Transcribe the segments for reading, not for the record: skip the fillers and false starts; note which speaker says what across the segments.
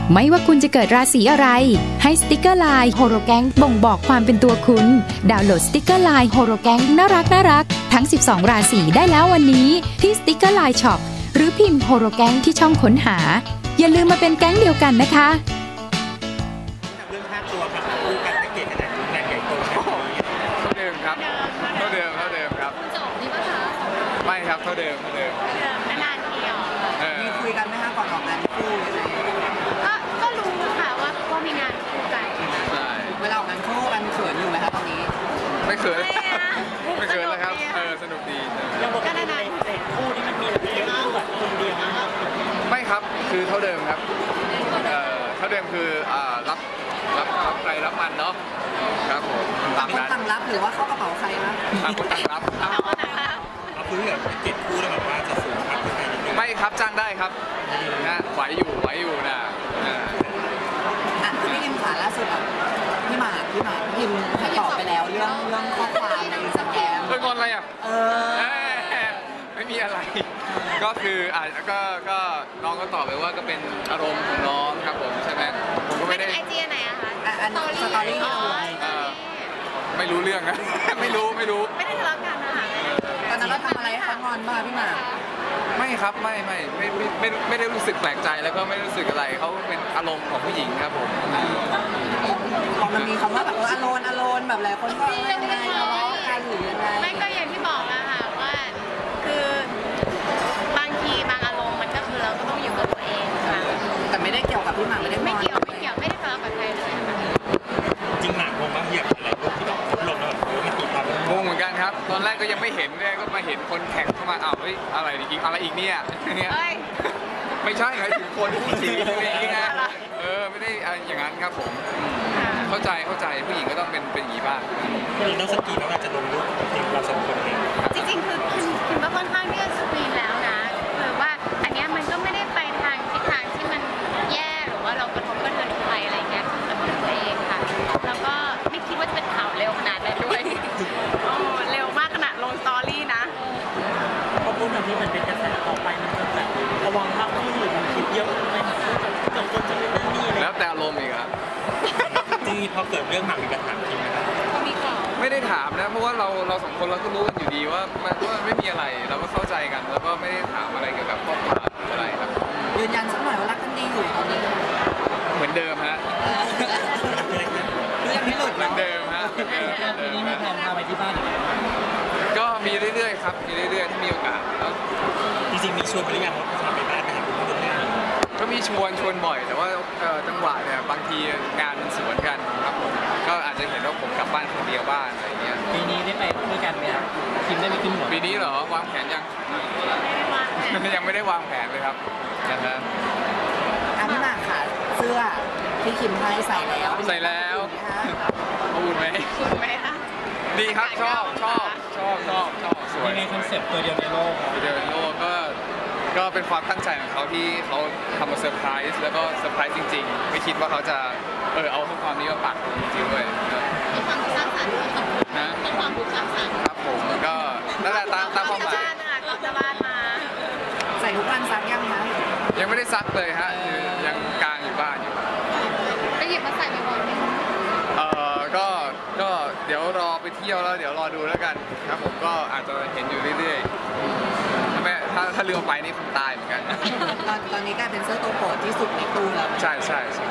Speaker 1: ไม่ว่าคุณจะเกิดราศีอะไรให้สติกเกอร์ไลน์โฮโรแกงบ่งบอกความเป็นตัวคุณดาวน์โหลดสติกเกอร์ไลน์โฮโรแกงน่ารักทั้ง12ราศีได้แล้ววันนี้ที่สติกเกอร์ไลน์ช็อปหรือพิมพ์โฮโรแกงที่ช่องค้นหาอย่าลืมมาเป็นแก๊งเดียวกันนะคะ
Speaker 2: เรื่องค่าตัวครับคู่กันไม่เก่งขนาดนี้งานใหญ่โตขนาดนี้
Speaker 3: เท่าเดิมครับเท่าเดิมครับ
Speaker 4: จบนี่ป่ะคะ
Speaker 3: ไม่ครับเท่าเดิม
Speaker 4: นานๆทีอ๋อ
Speaker 2: มีคุยกันไหมคะก่อนออกงานคู่อะไร
Speaker 4: ก็รู้ค่ะว่ามีงานคู่กัน
Speaker 3: ใช่
Speaker 2: เวลาออกงานคู่กันเขินอยู่ไหมคะตอนนี้
Speaker 3: ไม่เขินแล้วครับสนุกดี
Speaker 2: ยังบอกกันนานๆคู่ที่มันมีแบบเยอะคู่แบบคนเดียวนะครับ
Speaker 3: ไม่ครับคือเท่าเดิมครับเท่าเดิมคือรับใครรับมันเนาะครับผม
Speaker 2: ต่างคนต่างรับหรือว่าเข้ากระเป๋าใครนะ
Speaker 3: ต่างคนต่างรับ
Speaker 2: เอาคือแบบเก็บคู่แล้วแบบว่าจะสูงครับ
Speaker 3: ไม่ครับจ้างได้ครับนะไหวอยู่นะ
Speaker 2: พี่อิมขาล่าสุดพี่หมากพิมพ์ตอบไปแล้วเรื่องข้อความในอินสตาแกรม
Speaker 3: เรื่องงอนอะไรไม่มีอะไรก็คือก็น้องก็ตอบไปว่าก็เป็นอารมณ์ของน้องครับผมใช่ไหมผมก็ไม่ได้
Speaker 4: ไอจีไหนอะคะ
Speaker 2: สตอรี่
Speaker 3: ไม่รู้เรื่องนะไม่รู้
Speaker 4: ไม่ได้ทะเลาะกันนะคะ
Speaker 2: ตอนนั้นเราทำอะไรให้เขางอนบ้างพี่หมาก
Speaker 3: ไม่ครับไม่ได้รู้สึกแปลกใจแล้วก็ไม่รู้สึกอะไรเขาเป็นอารมณ์ของผู้หญิงครับผม
Speaker 2: พอมันมีคำว่าแบบอารมณ์แบบหลายคนก็ยังไงทะเลาะกันหรือยังไง
Speaker 4: ไม่ก็อย่างที่บอกอะค่ะว่าคือบางทีบางอารมณ์มันก็คือเราก็ต้องอยู่กับตัวเองค่ะ
Speaker 2: แต่ไม่ได้เกี่ยวกับพี่หมาก
Speaker 4: ไม่เกี่ยวไม่ได้ทะเลาะกับใครเลย
Speaker 2: จริงหมากงงมากเหยียบอะไรพวกที่แบบลงแล้วแบบมันตีความ
Speaker 3: งงเหมือนกันครับตอนแรกก็ยังไม่เห็นเลยก็มาเห็นคนแข่งเข้ามาเฮ้ยอะไรอีกเนี่ยไม่ใช่หมายถึงคนผู้หญิงอะไรอย่างเงี้ยไม่ได้อย่างนั้นครับผมเข้าใจผู้หญิงก็ต้องเป็นอย่างนี้บ้าง
Speaker 2: ผู้หญิงต้องสกรีนแล้วอาจจะลงรูปเราสองคนเอง
Speaker 4: จริงๆคือคุณก็ค่อนข้างที่จะสกรีนแล้วนะคือว่าอันนี้มันก็ไม่ได้ไปทางทิศทางที่มันแย่หรือว่าเรากระทบกระเทือนใครอะไรเงี้ยคือกับตัวเองค่ะแล้วก็ไม่คิดว่าจะเป็นข่าวเร็วขนาดนั้นด้วยเร็วมากขนาดลงสตอรี่นะ
Speaker 2: เพราะพวกนั้นที่มันเป็นกระแสต่อไปมันจะแบบระวังมากขึ้นหรือมันคิดเยอะไหมจนจะเป็นเรื่องนี้
Speaker 3: แล้วแต่อารมณ์อีกครับ
Speaker 2: จริงพอเกิดเรื่องหนักมีปัญหาจริงไหมครับ
Speaker 3: ไม่ได้ถามนะเพราะว่าเราสองคนเราก็รู้กันอยู่ดีว่าไม่มีอะไรเราก็เข้าใจกันแล้วก็ไม่ได้ถามอะไรเกี่ยวกับข้อความอะไรครับ
Speaker 2: ยืนยันสักหน่อยว่ารักกันดีอยู่ตอนนี้
Speaker 3: เหมือนเดิมฮะ
Speaker 2: ยังไม่หลุด
Speaker 3: เหมือนเดิมฮะ
Speaker 2: ทีนี้มีแผนพาไปที่บ้าน
Speaker 3: ก็มีเรื่อยๆครับมีเรื่อยๆที่มีโอกาส
Speaker 2: จริงๆมีชวนไปหรือยังว่าพาไปบ้านนะครับ
Speaker 3: ก็มีชวนบ่อยแต่ว่าจังหวะเนี่ยบางทีงานมันสวนกันครับผมก็อาจจะเห็นว่าผมกลับบ้านคนเดียวบ้านอะไรเงี้ย
Speaker 2: ปีนี้ได้ไปด้วยกันไหมครับคิมได้ไปขึ้นหัว
Speaker 3: ปีนี้เหรอวางแผนยังยังไม่ได้วางแผนเลยครับนะครับ
Speaker 2: พี่หมากค่ะเสื้อที่คิมให้ใส่แล้ว
Speaker 3: พูดไหม
Speaker 4: คะ
Speaker 3: ดีครับชอบสวย
Speaker 2: ในคอนเซ็ปต์ตัวเดียวในโลก
Speaker 3: ก็เป็นความตั้งใจของเขาที่เขาทำมาเซอร์ไพรส์แล้วก็เซอร์ไพรส์จริงๆไม่คิดว่าเขาจะเอาข้อความนี้มาปักจริงๆด้วย
Speaker 4: มีความสร้างสรรค์ด้วยนะมีความสร้างสรรค์
Speaker 3: ครับผมก็นั่นแหละตามความหมาย
Speaker 4: เราจะบ้านมา
Speaker 2: ใส่ทุกวันซักยังคะ
Speaker 3: ยังไม่ได้ซักเลยฮะยังกางอยู่บ้านอยู่
Speaker 4: จะหยิบมาใส่บ่อยๆไหม
Speaker 3: ก็เดี๋ยวรอไปเที่ยวแล้วเดี๋ยวรอดูแล้วกันครับผมก็อาจจะเห็นอยู่เรื่อยๆถ้าเรือไปนี่คงตายเหมือนกัน
Speaker 2: ตอนนี้กลายเป็นเสื้อตัวโปรดที่สุดในตู้แล้ว
Speaker 3: ใช่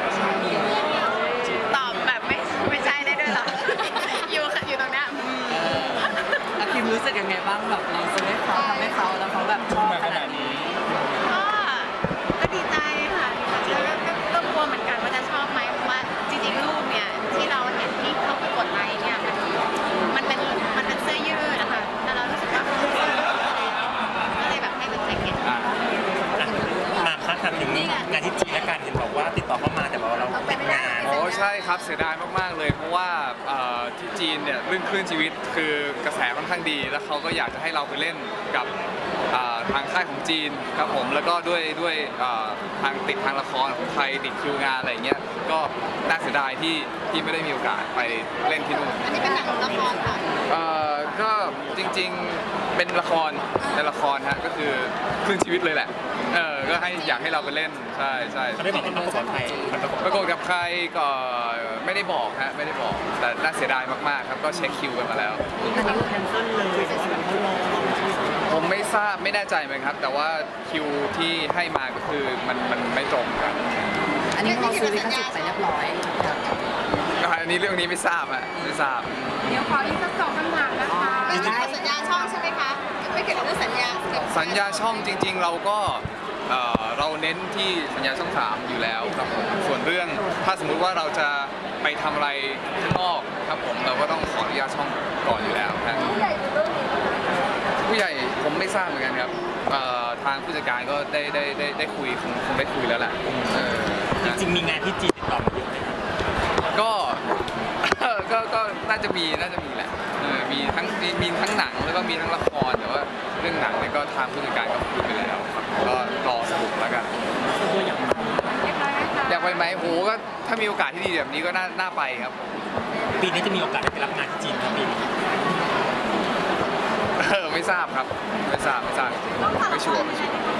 Speaker 4: ตอบแบบไม่ใช่ได้ด้วยหรออยู่ตรงนี้
Speaker 2: คิมรู้สึกยังไงบ้างแบบเราซื้อให้เขาทำให้เขาแล้วเขาแบบชอบขนาดนี้
Speaker 4: ก็ดีใจค่ะก็กลัวเหมือนกันว่าจะชอบไหมเพราะว่าจริงๆรูปเนี่ยที่เราเห็นที่เขากดไลค์เนี่ยมันเป็นเสื้อยืดนะคะแต่เรารู้สึกว่าก็เลยแบบให้เป็นแจ็คเก็ต
Speaker 2: มาคัดถามถึงงานที่จีนและการเห็นบอกว่าติดต่อเข้ามาแต่ว่าเราเป็นงาน
Speaker 3: ใช่ครับเสียดายมากๆเลยเพราะว่าที่จีนเนี่ยเรื่องคลื่นชีวิตคือกระแสค่อนข้างดีแล้วเขาก็อยากจะให้เราไปเล่นกับทางค่ายของจีนครับผมแล้วก็ด้วยทางละครของไทยติดคิวงานอะไรเงี้ยก็น่าเสียดายที่ไม่ได้มีโอกาสไปเล่นที่นู่น
Speaker 4: อันนี้เป็นหนังละครค่ะ
Speaker 3: ก็จริงๆเป็นละครฮะก็คือคลื่นชีวิตเลยแหละก็อยากให้เราไปเล่นใช่ใช่
Speaker 2: เขาได้บอกว่าประกบกับใคร
Speaker 3: ประกบกับใครก็ไม่ได้บอกฮะไม่ได้บอกแต่น่าเสียดายมากๆครับก็เช็คคิวกันมาแล้ว
Speaker 2: แต่ว่าแคนเซิลเลยแต่ว่าเขารอ
Speaker 3: ผมไม่ทราบไม่แน่ใจเหมือนครับ แต่ว่าคิวที่ให้มาก็คือมันไม่ตรงกัน
Speaker 5: อันนี้เราซื้อลิขสิทธิ์ไปเรียบร้อย
Speaker 3: อันนี้เรื่องนี้ไม่ทราบอ่ะไม่ทราบ
Speaker 4: เดี๋ยวขออีกสัก2 คำถามนะคะ
Speaker 5: ไม่ได้สัญญาช่องใช่ไหมคะ ไม่เกี่ยวกับเรื่องสัญญา
Speaker 3: สัญญาช่องจริง ๆ เราก็เราเน้นที่สัญญาช่อง 3อยู่แล้วครับผมส่วนเรื่องถ้าสมมุติว่าเราจะไปทำอะไรข้างนอกครับผมเราก็ต้องขออนุญาตช่องก่อนอยู่แล้วครับผู้ใหญ่ผมไม่ทราบเหมือนกันครับทางผู้จัดการก็ได้คุยคงได้คุยแล้วแหละ
Speaker 2: จริงๆมีงานที่จีนติดต่อมาเยอะไหมครับ
Speaker 3: ก็น่าจะมีแหละมีทั้งหนังแล้วก็มีทั้งละครแต่ว่าเรื่องหนังเนี่ยก็ทางผู้จัดการก็คุยไปแล้วครับก็รอสรุปแล้วกัน
Speaker 2: ตัวอย่าง
Speaker 3: อยากไปไหมโหก็ถ้ามีโอกาสที่ดีแบบนี้ก็น่าไปครับ
Speaker 2: ปีนี้จะมีโอกาสได้ไปรับงานที่จีนไหมปีนี้
Speaker 3: ไม่ทราบครับไม่ทราบไม่ชัวร์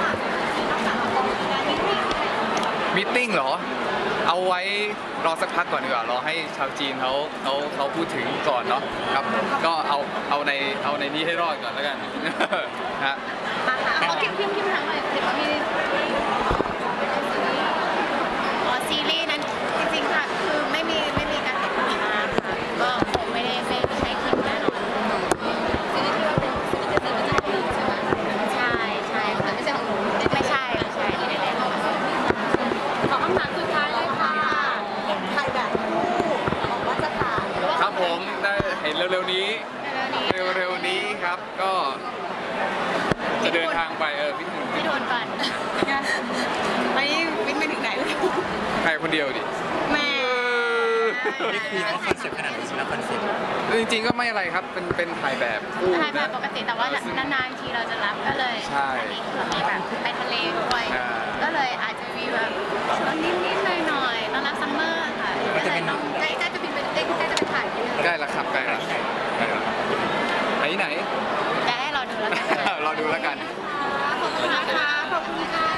Speaker 3: มีตติ้งเหรอเอาไว้รอสักพักก่อนดีกว่ารอให้ชาวจีนเขาพูดถึงก่อนเนาะครับก็เอาในนี้ให้รอดก่อนแล้วกันฮะ
Speaker 4: เขาพิมพ์ทางอะไรเดี๋ยวว่ามีซีรีส์นั้นจริงๆค่ะคือไม่มีการติดต่อมาค่ะก็คงไม่ใช่คิมแน่นอนซีรีส์ที่ว่าเป็นซีรีส์จะมาจากจีนใช่ไหมใช่ค่ะไม่ใช่ของหนูไม่ใช่ไม่ได้เล่นขอคำถามสุดท้ายเลยค่ะ
Speaker 5: ถ่ายแบบคู่ของมาตรฐาน
Speaker 3: ครับผมได้เห็นเร็วๆนี้ครับก็จะเดินทางไป
Speaker 4: พี่โดนก่อนไปวิ่งไปถึงไหนเลย
Speaker 3: ใครคนเดียวดิ
Speaker 4: แม่
Speaker 2: ได้คุยว่าคอนเซ็ปต์ขนาดไหนจริงแล้วคอนเซ็ปต์
Speaker 3: จริงๆก็ไม่อะไรครับเป็นถ่ายแบบคู่
Speaker 4: ถ่ายแบบปกติแต่ว่านานๆทีเราจะรับก็เลย
Speaker 3: ใช่
Speaker 4: อันนี้คือมีแบบไปทะเลด้วยก็เลยอาจจะมีแบบนิดๆหน่อยๆตอนรับซัมเมอร์ค่ะก็เลยต้องใกล้จะบินไปใกล้จะไปถ่ายที่นั่น
Speaker 3: ใกล้แล้วครับใกล้แล้วไหน
Speaker 4: จะให้เราดูแล้วกัน
Speaker 3: รอดูแล้วกัน
Speaker 4: ขอบคุณนะคะขอบคุณค่ะ